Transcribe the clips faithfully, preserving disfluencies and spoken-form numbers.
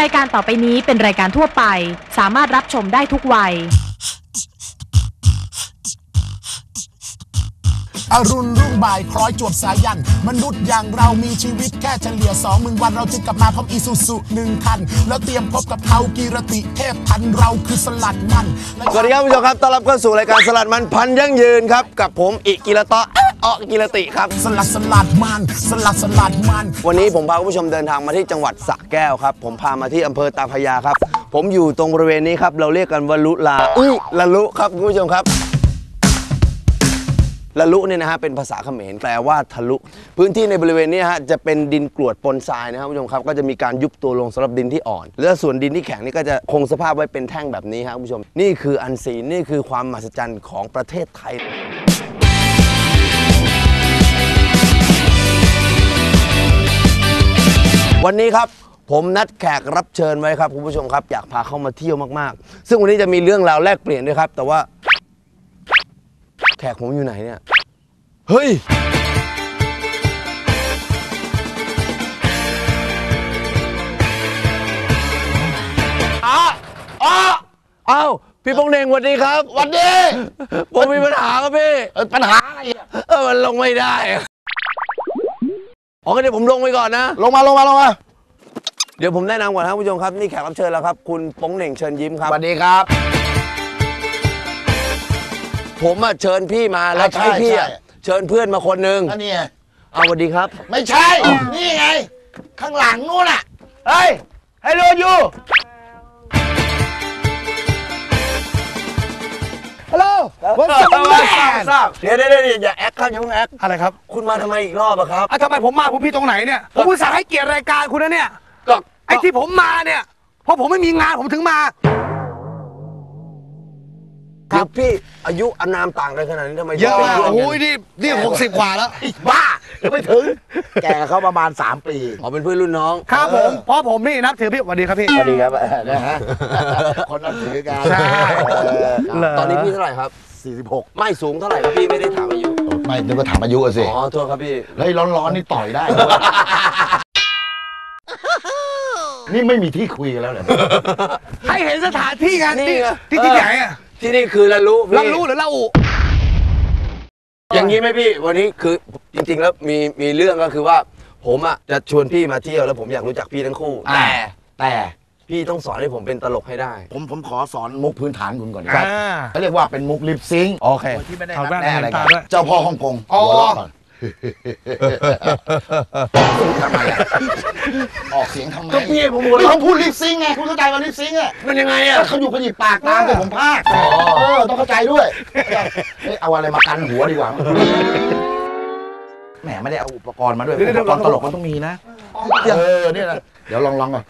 รายการต่อไปนี้เป็นรายการทั่วไปสามารถรับชมได้ทุกวัยอรุณรุ่งบ่ายคล้อยจวบสายันมนุษย์อย่างเรามีชีวิตแค่เฉลี่ยสองหมื่นวันเราจึงกลับมาพร้อมอีซูซุหนึ่งคันแล้วเตรียมพบกับเขากีรติเทพทันเราคือสลัดมันสวัสดีครับผู้ชมครับต้อนรับเข้าสู่รายการสลัดมันพันยั่งยืนครับกับผมอิกิระตะออกิรติครับสลัดสลัดมันสลัดสลัดมันวันนี้ผมพาคุณผู้ชมเดินทางมาที่จังหวัดสระแก้วครับผมพามาที่อำเภอตาพระยาครับผมอยู่ตรงบริเวณนี้ครับเราเรียกกันว่าลุลาอุ้ยละลุครับคุณผู้ชมครับละลุเนี่ยนะฮะเป็นภาษาเขมรแปลว่าทะลุพื้นที่ในบริเวณนี้ฮะจะเป็นดินกรวดปนทรายนะครับคุณผู้ชมครับก็จะมีการยุบตัวลงสำหรับดินที่อ่อนและส่วนดินที่แข็งนี่ก็จะคงสภาพไว้เป็นแท่งแบบนี้ครับคุณผู้ชมนี่คืออันซีนนี่คือความมหัศจรรย์ของประเทศไทยวันนี้ครับผมนัดแขกรับเชิญไว้ครับคุณผู้ชมครับอยากพาเข้ามาเที่ยวมากๆซึ่งวันนี้จะมีเรื่องราวแลกเปลี่ยนด้วยครับแต่ว่าแขกผมอยู่ไหนเนี่ยเฮ้ยอ้าอ้าอ้าวพี่ปงเน่งสวัสดีครับสวัสดีผมมีปัญหาครับพี่ปัญหาอะไรอ่ะเออมันลงไม่ได้อ๋อเดี๋ยวผมลงไปก่อนนะลงมาลงมาลงมาเดี๋ยวผมแนะนำก่อนครับผู้ชมครับนี่แขกรับเชิญแล้วครับคุณปงเน่งเชิญยิ้มครับสวัสดีครับผมอ่ะเชิญพี่มาแล้วให้พี่เชิญเพื่อนมาคนหนึ่งอันนี้เอาสวัสดีครับไม่ใช่นี่ไงข้างหลังนู้นอ่ะเฮ้ยฮัลโหลยูฮัลโหลวันสองแม่เดี๋ยวเดี๋ยวอย่าแอคครับอย่าเพิ่งแอคอะไรครับคุณมาทำไมอีกรอบอะครับอ่ะทำไมผมมาผมพี่ตรงไหนเนี่ยผมอุตส่าห์ให้เกียรติรายการคุณนะเนี่ยก็ไอ้ที่ผมมาเนี่ยเพราะผมไม่มีงานผมถึงมาเดี๋ยวพี่อายุอานามต่างกันขนาดนี้ทำไมเยอะอ่ะโอ้ยนี่นี่หกสิบกว่าแล้วบ้ายังไม่ถึงแกเขาประมาณสามปีอ๋อเป็นเพื่อนรุ่นน้องครับผมเพราะผมนี่นับถือพี่สวัสดีครับพี่สวัสดีครับนะฮะคนนับถือกันใช่ตอนนี้พี่เท่าไหร่ครับสี่สิบหกไม่สูงเท่าไหร่ครับพี่ไม่ได้ถามอายุไม่นึกว่าถามอายุสิอ๋อโทษครับพี่เฮ้ยร้อนๆนี่ต่อยได้นี่ไม่มีที่คุยกันแล้วเหรอให้เห็นสถานที่กันที่ที่ที่ไหนอ่ะที่นี่คือละลุละลุหรือละอุอย่างนี้ไหมพี่วันนี้คือจริงๆแล้วมีมีเรื่องก็คือว่าผมอ่ะจะชวนพี่มาเที่ยวแล้วผมอยากรู้จักพี่ทั้งคู่แต่แต่พี่ต้องสอนให้ผมเป็นตลกให้ได้ผมผมขอสอนมุกพื้นฐานคุณก่อนครับเขาเรียกว่าเป็นมุกลิปซิงค์โอเคที่ไม่ได้นับแน่อะไรกันเจ้าพ่อฮ่องกงหัวเราะก่อนทำไมออกเสียงทำไมก็พี่ผมหัวเราะเขาพูดลิปซิงค์ไงคุณเข้าใจว่าลิปซิงค์อ่ะมันยังไงอ่ะเขาอยู่ขยิบปากตามแต่ผมพากเออต้องเข้าใจด้วยเอาอะไรมากันหัวดีกว่าแหมไม่ได้เอาอุปกรณ์มาด้วยอุปกรณ์ตลกมันต้องมีนะเออเนี่ยนะเดี๋ยวลองลองก่อน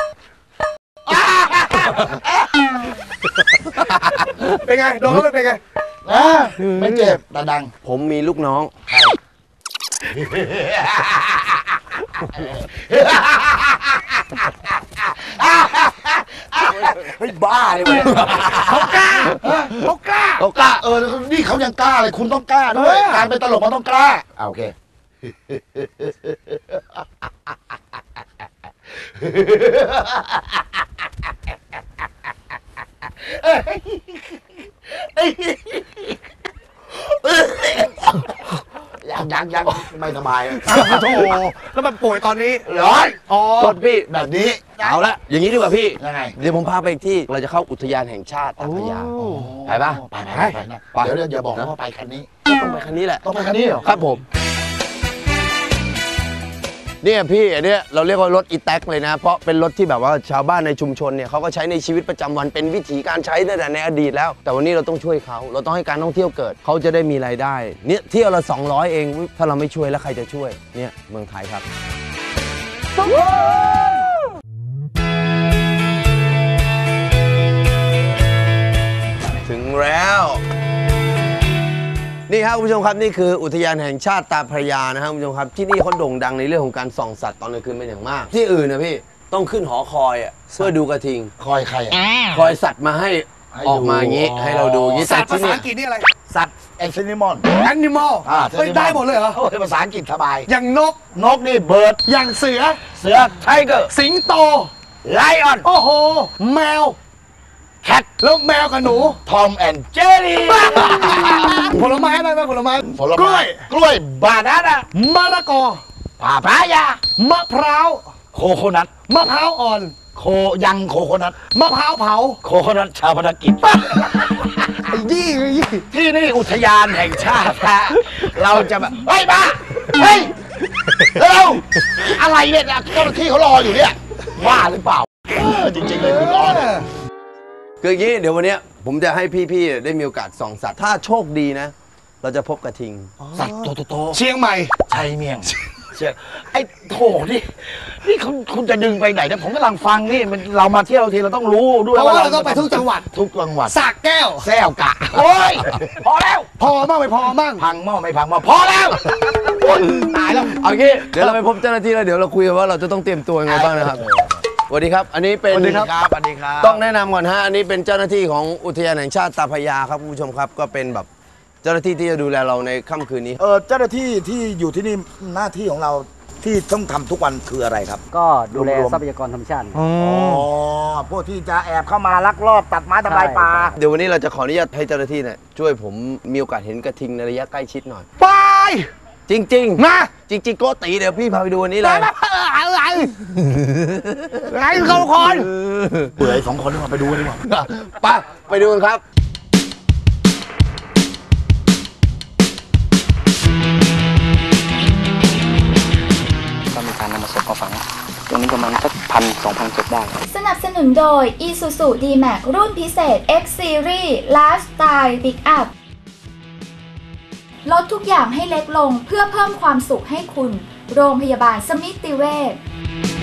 เป็นไงโดนแล้วเป็นไงไม่เจ็บแต่ดังผมมีลูกน้องเฮ้ยบ้าเลยเขากล้าเขากล้าเขากล้าเออนี่เขายังกล้าเลยคุณต้องกล้าด้วยการเป็นตลกมันต้องกล้าโอเคยังยังยังไม่สบายโธ่แล้วมันป่วยตอนนี้ร้อนอ๋อรถพี่แบบนี้เอาละอย่างนี้ดีกว่าพี่ยังไงเดี๋ยวผมพาไปที่เราจะเข้าอุทยานแห่งชาติตาพระยาไปปะไปไปไปเดี๋ยวอย่าบอกนะว่าไปคันนี้ต้องไปคันนี้แหละต้องไปคันนี้เหรอครับผมเนี่ยพี่อันเนี้ยเราเรียกว่ารถอีแท็กเลยนะเพราะเป็นรถที่แบบว่าชาวบ้านในชุมชนเนี่ยเขาก็ใช้ในชีวิตประจำวันเป็นวิถีการใช้ตั้งแต่ในอดีตแล้วแต่วันนี้เราต้องช่วยเขาเราต้องให้การท่องเที่ยวเกิดเขาจะได้มีรายได้เนี่ยเที่ยวละสองร้อยเองถ้าเราไม่ช่วยแล้วใครจะช่วยเนี่ยเมืองไทยครับถึงแล้วนี่ครับคุณผู้ชมครับนี่คืออุทยานแห่งชาติตาพระยานะครับคุณผู้ชมครับที่นี่เขาโด่งดังในเรื่องของการส่องสัตว์ตอนกลางคืนเป็นอย่างมากที่อื่นนะพี่ต้องขึ้นหอคอยอ่ะเพื่อดูกระทิงคอยใครคอยสัตว์มาให้ออกมาอย่างนี้ให้เราดูอย่างนี้สัตว์ภาษาอังกฤษนี่อะไรสัตว์แอนิมอลแอนิมอลไม่ได้หมดเลยเหรอภาษาอังกฤษสบายอย่างนกนกนี่เบิร์ดอย่างเสือเสือไทเกอร์สิงโตไลออนโอ้โหแมวแคทแล้วแมวกับหนูทอมแอนด์เจอรี่ผลไม้อะไรบ้างผลไม้ผลไม้กล้วยกล้วยบานาน่ามะละกอปาปายามะพร้าวโคโคนัทมะพร้าวอ่อนโคยังโคโคนัทมะพร้าวเผาโคโคนัทชาวพนักกิจไอ้ยี่ยี่ที่นี่อุทยานแห่งชาติฮะเราจะแบบเฮ้ยมาเฮ้ยเร็วอะไรเนี่ยเจ้าหน้าที่เขารออยู่เนี่ยว่าหรือเปล่าจริงๆเลยคุณรอเนี่ยคืออย่างนี้เดี๋ยววันนี้ผมจะให้พี่ๆได้มีโอกาสส่องสัตว์ถ้าโชคดีนะ เราจะพบกระทิงสัตว์ตัวโตๆเชียงใหม่ชัยเมียงเชียงไอ้โถนี่นี่คุณคุณจะดึงไปไหนนะผมกำลังฟังนี่มันเรามาเที่ยวทีเราต้องรู้ด้วยว่าเราต้องไปทุกจังหวัดทุกจังหวัดสระแก้วแซวกะโอ้ยพอแล้วพอมั่งไม่พอมั่งพังหม้อไม่พังหม้อพอแล้วตายแล้วเอางี้เดี๋ยวเราไปพบเจ้าหน้าที่แล้วเดี๋ยวเราคุยกันว่าเราจะต้องเตรียมตัวยังไงบ้างนะครับสวัสดีครับอันนี้เป็นสวัสดีครับสวัสดีครับต้องแนะนำก่อนฮะอันนี้เป็นเจ้าหน้าที่ของอุทยานแห่งชาติตาพระยาครับคุณผู้ชมครับก็เป็นแบบเจ้าหน้าที่ที่จะดูแลเราในค่ำคืนนี้เออเจ้าหน้าที่ที่อยู่ที่นี่หน้าที่ของเราที่ต้องทำทุกวันคืออะไรครับก็ดูแลทรัพยากรธรรมชาติอ๋อพวกที่จะแอบเข้ามาลักลอบตัดไม้ทำลายป่าเดี๋ยววันนี้เราจะขออนุญาตให้เจ้าหน้าที่เนี่ยช่วยผมมีโอกาสเห็นกระทิงในระยะใกล้ชิดหน่อยไปจริงๆนะจริงๆโกติเดี๋ยวพี่พาไปดูวันนี้เลยอะไรไอ้เขาคนเบื่อไอ้สองคนนี่มาไปดูกันดีกว่าไปไปดูกันครับก็มีการนำมาศพมาฝังตรงนี้ประมาณสักพันสองพันศพได้สนับสนุนโดย Isuzu D-Max รุ่นพิเศษ X Series Lifestyle Pickup ลดทุกอย่างให้เล็กลงเพื่อเพิ่มความสุขให้คุณโรงพยาบาลสมิติเวช